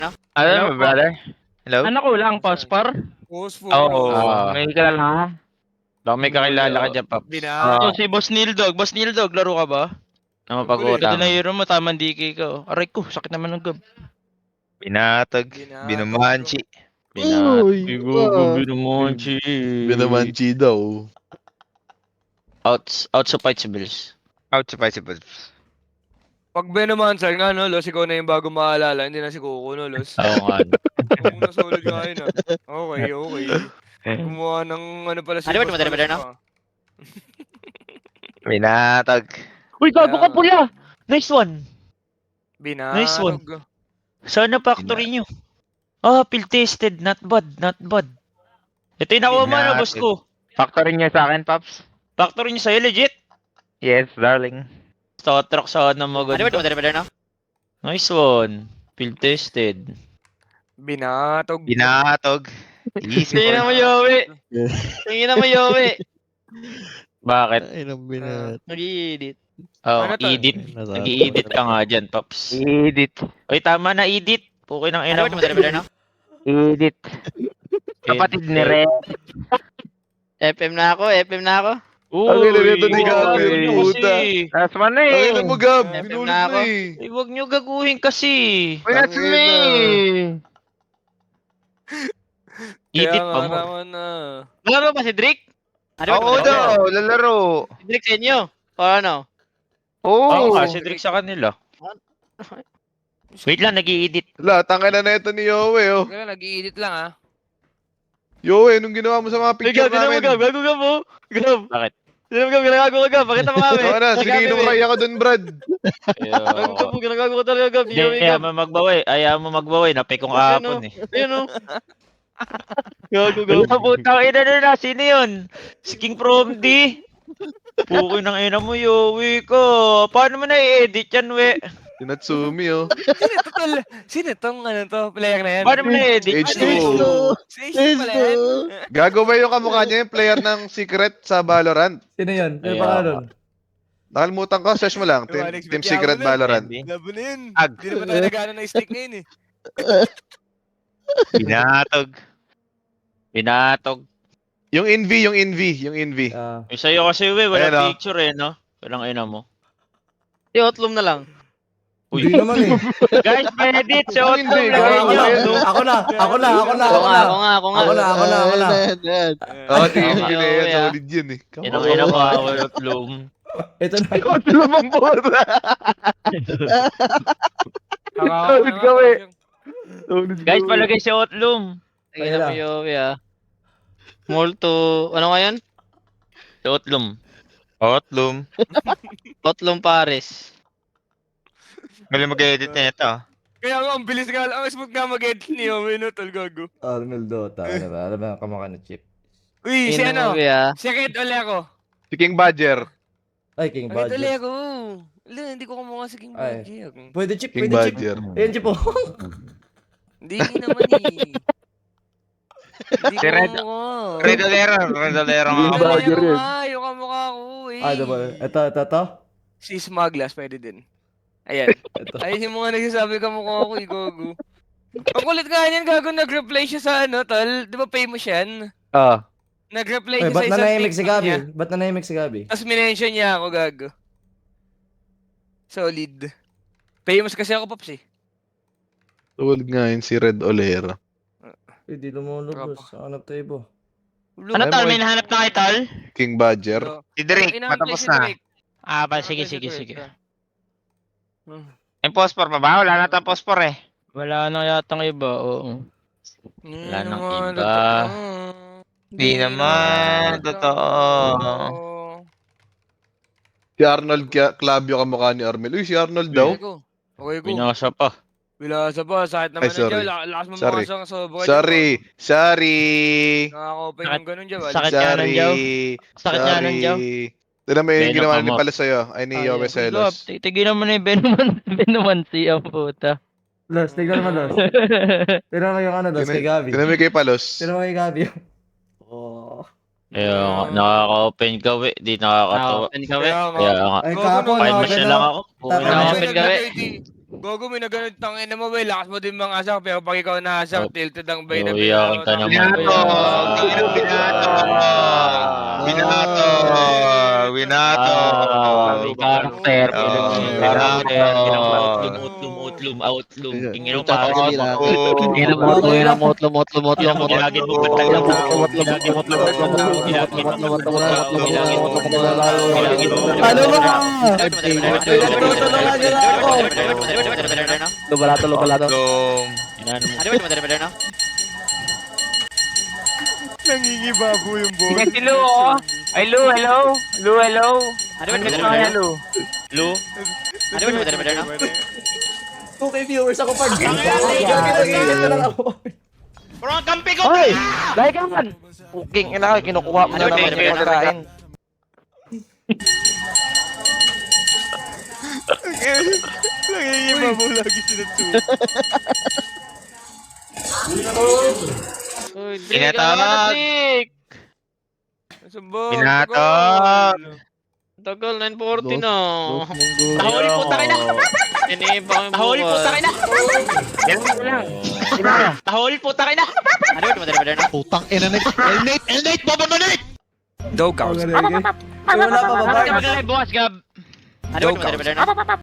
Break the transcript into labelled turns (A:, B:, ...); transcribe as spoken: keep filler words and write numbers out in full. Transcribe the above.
A: Hello,
B: Hello, brother. Hello?
A: Ano kulang, Pospor?
C: Phosphor.
B: Oo,
A: Ah.
B: may kilala ka? Baka may kakilala ka
A: Oo.
B: dyan, Paps.
C: Bina.
A: Oh, si Boss Nildog. Boss Nildog, laro ka ba?
B: Na
C: Ang kulit.
A: Pwede
B: mapag-utang.
A: na hero mo, tamang D K ka. Oh. Aray ko, sakit naman ng gab.
B: Binatag,
C: Binatag.
B: binumanchi.
A: Binat.
D: Uy,
A: Igugo,
D: ah.
A: binumonchi.
D: Binamanchi daw.
B: Outs, outs of fight si Bills.
E: Ouch, bicycles.
C: Pag Benomancer nga, no, Los, ikaw na yung bago maalala, hindi na si Coco, no, Los?
B: Oo nga.
C: Ang una solid nga yun, ah. Okay, okay. Gumawa ng ano pala si
A: Ano ba,
C: Boss
A: tumatala ba
C: Palos
A: no?
C: pa.
B: Binatag.
A: Uy,
C: gago ka pula!
B: Nice one. Nice one.
C: Binatog.
B: Sana factory nyo. Ah, field tested. Not bad, not bad. Ito yung nakuha mo, ano, boss ko.
E: Factory niya sa akin, Pops.
B: Factory nyo sa'yo, legit.
E: Yes, darling.
B: Star truck sa na
A: Ano ba,
B: maganda.
A: tumatala ba no?
B: Nice one. Field tested.
C: Binatog.
E: Binatog. Easy
A: Tingnan mo,
E: for
A: Yowie. Tingnan mo, Yowie.
B: Bakit?
D: Ay, nang binat.
A: Nag-i-edit.
B: Oh,
C: Ano to?
B: edit. Nag-i-edit ka nga dyan, Pops.
E: edit.
B: Oy, tama na, edit. Okay ng
A: Ano
B: ina
A: ba,
B: mo.
A: tumatala ba no?
E: Edit. Kapatid ni Red.
A: F M na ako, F M na ako.
D: Ang ina nito ni Gabi,
B: wag
D: yung
B: nyo
D: puta.
B: kasi.
E: Last one na
D: Ang
E: eh.
D: ina mo, Gab.
A: F M
D: Binulit
A: na ako.
D: mo eh.
B: Eh, wag nyo gaguhin kasi.
E: Uy, that's
D: Tangina.
E: me.
C: Kaya
B: Edit
C: nga
B: pa mo.
C: naman na.
A: Laro ba si Drake? Ano ba,
E: Oo
A: tumatala ba no?
E: daw, lalaro.
A: Si Drake sa inyo? O ano?
B: Oo,
E: Oo.
B: kasi Drake sa kanila. Wait lang, nag-i-edit.
D: Wala, tangin na na ito ni Yowie, oh.
C: Kaya nag-i-edit lang, ah.
D: Yowie, anong ginawa mo sa mga
A: Uy,
D: picture
A: Gab, tingnan mo,
D: namin?
A: Gab. Gago ka mo. Gab.
B: Bakit?
A: Tingnan mo, Gab. Ginagago ka, Gab. Pakita mo kami.
D: Oo na, sininom kaya ako dun, Brad.
A: Gago ka
B: Ayoko.
A: po. Ginagago ka talaga, Gab.
B: Hindi,
A: Yowie,
B: ayaw
A: Gab.
B: mo magbaway. Ayaw mo magbaway. Napikong
A: Ayun,
B: kahapon
A: oh.
B: eh.
A: Ayun, oh. Gago, Gab.
B: Wala, putang ina na na. Sino yun? Si King from D. Pukoy ng ina mo, Yowie ko. Paano mo na-i-edit yan, we?
D: Si Natsumi, oh.
C: Sino to, tol? Sino tong, ano to, player na yan?
B: Paano mo na-i-edit
D: H
B: yan?
D: two.
C: Si H two pala yan?
D: Gago ba yung kamukha niya yung player ng Secret sa Valorant?
F: Sino yun? Sino
B: Ayaw
F: pa
B: ka.
F: nun?
D: Nakalimutan ko, search mo lang.
C: Diba,
D: Team,
C: next
D: Team
C: bet,
D: Secret
C: yaman na.
D: Valorant.
B: Hindi.
C: Labo na yun.
E: Ag.
C: Hindi naman tayo nagano ng stick ngayon, eh.
E: Binatog.
B: Binatog.
D: Yung Envy, yung Envy, yung Envy.
F: Ah,
B: Yung sa'yo kasi, we.
D: Ayan,
B: Walang
D: oh.
B: picture eh, no? Walang ina mo.
A: Si Otlum na lang.
B: Uy.
F: hindi naman eh.
B: Guys, edit. Si
D: Hindi,
B: Otlum,
D: gago
B: lagay
F: Ako
B: nyo.
F: na,
D: yan, oh.
F: ako na, ako na, ako na,
A: Ako
F: ako
A: nga,
F: na.
A: ako nga, ako nga.
F: Ako na, ako na, ako na.
D: Oo, tingin
B: Tama.
D: ko na yan.
A: Yowie, ah.
D: Solid yun, eh.
B: Yan ang ina mo, ah, Otlum.
F: Ito na.
D: Lumang bola.
C: Solid
D: kami. Solid
B: Guys, palagay si Otlum.
A: Tingnan mo,
F: Ayun na.
A: Yowie, ah. Molto, ano nga yan?
B: Si Otlum.
E: Otlum.
A: Otlum Pares.
E: Galing mag-edit na ito.
C: Kaya nga, ang bilis nga, ang smooth nga mag-edit ni Yowie, no, tol, gago.
F: Arnold Dota, ano ba? Ano ba ang kamukha ng chip?
C: Uy, si
A: Tingnan mo,
C: ano?
A: Yowie, ah.
C: Si Red Olero.
D: Si King Badger.
F: Ay, King
C: Red
F: Badger.
C: Olero. Wala, hindi ko kumukha si King
F: Ay.
C: Badger.
F: Pwede chip,
D: King
F: pwede chip.
D: Badger.
F: Ayan, chip po.
C: Hindi naman, eh. Hindi
E: Si
C: ko
E: Red-
C: kumukha.
E: Red Olero. Red Olero nga
C: Red
E: ako.
D: Badger
C: Olero
D: yun.
C: nga, yung kamukha ko, eh.
F: Ah, diba? Ito, ito, ito.
C: Si Smuglass, pwede din. Ayan.
F: Ito.
C: Ayun yung mga nagsasabi kamukha ko, eh, gago. Ang kulit nga yan, gago, nag-reply siya sa ano, tol. Di ba famous yan?
E: Ah.
C: Nag-reply
F: Ay,
C: siya
F: ba't
C: sa isang
F: nanahimik si
C: TikTok
F: Gabi?
C: niya.
F: Ba't nanahimik si Gabi?
C: Tapos minention niya ako, gago. Solid. Famous kasi ako, Pops, eh.
D: Solid nga yun si Red Olera.
F: Eh, di lumulubos.
C: Tropa.
F: Hanap tayo po.
A: Ano
D: Ay,
A: tal?
D: mo,
A: May nahanap na kay tal?
D: King Badger.
C: So,
E: Si Drake,
C: inaantay
E: matapos
C: si
E: na.
C: Drake.
A: Ah, ba, sige,
C: Inaantay si
A: sige,
C: Drake,
A: sige.
C: ah. Hmm.
E: Yung phosphor pa ba? Wala na tayong phosphor eh.
A: Wala na yatang iba, oo.
B: Wala
C: Hindi
B: nang
C: naman
B: iba.
C: totoo.
E: Di naman, totoo.
D: Si Arnold Kia- Clavio kamukha ni Armel. Uy, si Arnold daw.
C: Okay ko. Okay ko.
B: Binasa pa.
C: Bilasa pa, sakit naman
D: Ay, sorry.
C: nandiyan. La- Lakas mo
D: Sorry.
C: mga sa sobra.
D: Sorry. Sorry.
C: Nakaka-open
A: Sakit-
C: yung ganun dyan.
A: sakit nga nun,
D: Sorry.
A: Jow. Sakit nga nun, Jow.
D: Tignan mo yung
B: Beno
D: ginawa
B: ka
D: ni
B: mo.
D: pala sa'yo. Ay ni Yowe Celos.
A: Tigilan mo na yung Benuman, Benumansi, ang puta.
F: Los, tignan mo, Los. Tignan mo yung ano, Los, kay Gabi.
D: Tignan mo yung kay Palos.
F: Tignan mo kay Gabi. Oh.
B: Kaya nakaka-open ka, we. Di nakakatawa.
A: Open ka, we.
C: Kaya nga.
B: Kaya nga.
F: Ay,
C: Gago
F: kahapon,
C: na-
B: Five
F: no,
B: match na
F: pero-
B: lang ako.
F: Tapos
B: Okay na
A: na-
B: ako.
A: open ka, we.
C: Gogo, may nagano'n tangin na mo, bay. Lakas mo din mga asak, pero pag ikaw naasak,
A: Oh.
C: tilted ang bay na
A: Oh, yan ka naman.
E: Binato! Tingin ang binato! Binato! Binato!
A: Ah, may karakter.
E: Oh,
A: May
E: binato!
A: karakter.
B: Utlum, utlum, outlum. Tingin mo
D: Tsaka
B: pa.
D: kasi lang.
A: Tingnan mo, tingnan mo, lumot, lumot, lumot.
B: Ilagin mo pa
A: Tingnan mo,
B: tayo.
A: lumot, lumot, lumot, lumot, lumot, lumot, lumot, lumot, lumot, lumot,
B: Ilagin mo.
F: Ano ba?
A: Lubalato, lubalato.
E: Dom.
C: Nangingibabo yung boss.
E: Sige si Lu, oh. Ay, Lu, hello. Lu, hello. Ano ba na, Lu?
B: Lu?
F: two K viewers ako pag. Gagawin lang ako.
B: Bro, ang kampi ko!
A: Hoy! Dahil ka man! Puking ina ka, kinukuha mo na
B: Ano,
A: naman
B: ano,
A: yung pagkain.
C: Nangingibabo lagi sila two.
E: Pinatawag.
C: Sumbong.
E: Pinatawag.
G: Tagal, nine forty na.
B: Tahuli po tayo na!
G: Iniba yung
B: Tahuli po tayo na! Tahuli po tayo na!
D: Putang ina na. Elnate! Elnate! Baba mo, Nate!
C: Dog house.
F: Wala pa ba?
G: Bukas, Gab.
C: Dog house.